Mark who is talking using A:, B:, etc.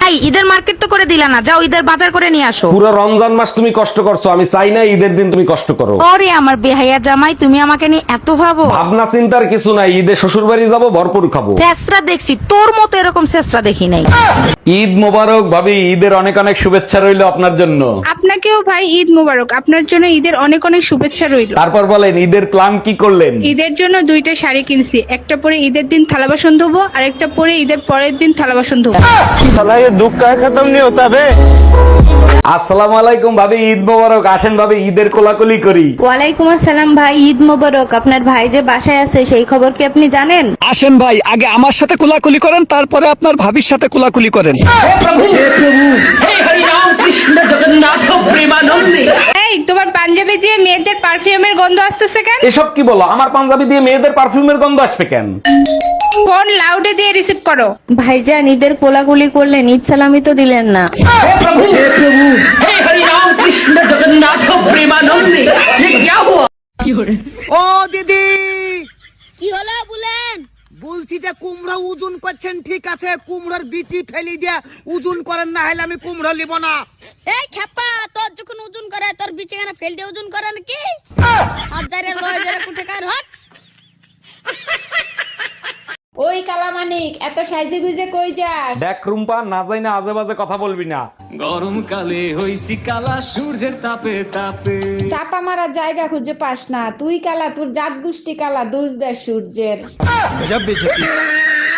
A: এই ঈদের মার্কেট তো করে দিলা না, যাও ঈদের বাজার করে নিয়ে আসো।
B: পুরো রমজান মাস তুমি কষ্ট করছো, আমি চাই না ঈদের দিন তুমি কষ্ট করো।
A: ওরে আমার বেহাইয়া জামাই, তুমি আমাকে নিয়ে এত ভাবো?
B: ভাবনা চিন্তার কিছু নাই, ঈদে শ্বশুর বাড়ি যাবো, ভরপুর খাবো।
A: চেষ্টা দেখছি, তোর মতো এরকম চেষ্টা দেখি নাই।
B: ঈদ মোবারক ভাবি, ঈদের অনেক অনেক শুভেচ্ছা রইলো আপনার জন্য।
C: আপনাকেও ভাই ঈদ মোবারক। আপনার জন্য ঈদের অনেক অনেক শুভেচ্ছা রইল।
B: তারপর বলেন ঈদের প্ল্যান কি করলেন?
C: ঈদের জন্য 2টা শাড়ি কিনছি, একটা পরে ঈদের দিন থালা বাসন ধোবো আর একটা পরে ঈদের পরের দিন থালা বাসন ধোবো।
B: আসসালামু আলাইকুম ভাবি, ঈদ মোবারক। আসেন ভাবি, ঈদের কোলাকুলি করি।
D: ওয়ালাইকুম আসসালাম ভাই, ঈদ মোবারক। আপনার ভাই যে বাসায় আছে সেই খবর কি আপনি জানেন?
E: আসেন ভাই, আগে আমার সাথে কোলাকুলি করেন, তারপরে আপনার ভাবির সাথে কোলাকুলি করেন।
C: এই তোমার পাঞ্জাবি দিয়ে মেয়েদের পারফিউমের গন্ধ আসতেছে কেন?
B: এসব কি বলো? আমার পাঞ্জাবি দিয়ে মেয়েদের পারফিউমের গন্ধ আসবে কেন?
C: ফোন লাউডে দিয়ে রিসিভ করো।
D: ভাইজান ঈদের কোলাকুলি করলেন, ঈদ সালামি তো দিলেন না।
F: ও দিদি,
G: কি হলো বলেন?
F: বলছি যে কুমড়ো ওজন করছেন, ঠিক আছে, কুমড়োর বিচি ফেলি দিয়ে ওজন করেন, না হলে আমি কুমড়ো নিব না।
G: এই খেপা, তোর যখন ওজন করে তোর বিছানা ফেল দিয়ে ওজন করে নাকি? হাজারে লয় যারা কোথা কার হট।
H: ওই কালামানিক, এত সাইজে গুজে কই যাস?
B: দেখ রুম্পা, না যাই না আজে বাজে কথা বলবি না।
I: গরমকালে হইছি কালা, সূর্যের তাপে তাপে।
H: চাপা মারার জায়গা খুঁজে পাস না, তুই কালা, তোর জাত গোষ্ঠী কালা, দোষ দেয় সূর্যের।